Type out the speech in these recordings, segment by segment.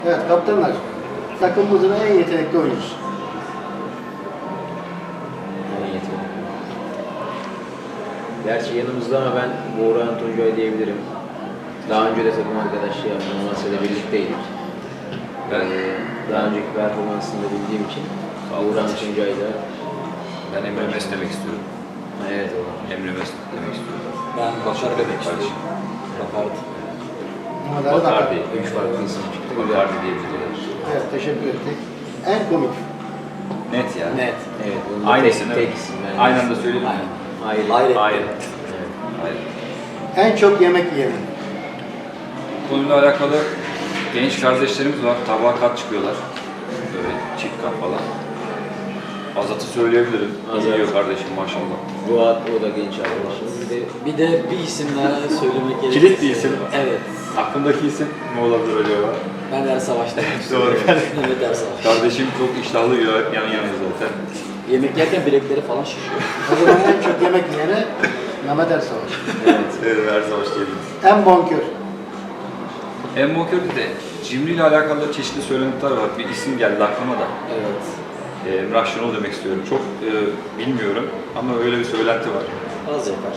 Evet kaptanlar, takımımızın en yetenekli oyuncusu. En yetenekli. Gerçi yanımızda ama ben Buğra Tuncay diyebilirim. Daha önce de takım arkadaşlığı yaptım, Amasya'da birlikteydik. Ben Daha önceki performansını da bildiğim için Buğra Tuncay'da Ben Emre Mesut demek istiyorum. evet o. Emre Mesut demek istiyorum. Ben Bakar demek Kardeşim. Bakardı. Bakardi. 3 farklı isim çıktı. Bakardi diyebiliriz. Evet, teşekkür ettik. En komik. Net ya. Net. Evet, bunu da Aynısını tek isim. Yani. aynı anda söyledim. Aynen. Hayır. Hayret. Hayır. Evet. Hayır. En çok yemek yiyen. Konuyla alakalı genç kardeşlerimiz var. Tabağa kat çıkıyorlar. Böyle çift kat falan. Azat'ı söyleyebilirim. Azat. Yiyor kardeşim maşallah. Fuat, o da genç arkadaşımız. Bir de bir isim daha söylemek gerekirse. Kilit bir isim. Evet. Aklındaki isim ne olabilir acaba? Ben Ersavaş demek Doğru. istiyorum. Evet Ersavaş. Kardeşim çok iştahlı yiyor yan yana zaten. Yemek yerken bilekleri falan şişiyor. O zaman en çok yemek yiyene Mehmet Ersavaş. Evet, her zaman diyebiliriz. En bonkör. Emmokör'de de cimri ile alakalı çeşitli söylentiler var. Bir isim geldi aklıma da. Evet. Emrah Şenol demek istiyorum. Çok bilmiyorum ama öyle bir söylenti var. Az yapar.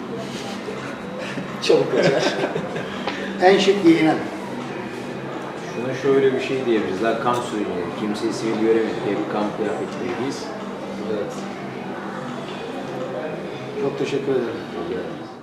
Çabuk kaçar. En şık giyinen. Şuna şöyle bir şey diyebiliriz. Daha kamp sürücüleri. Kimseyi sivil göremedik. Hep kamp kıyafetliyiz. Evet. Çok teşekkür ederim. Rica ederim.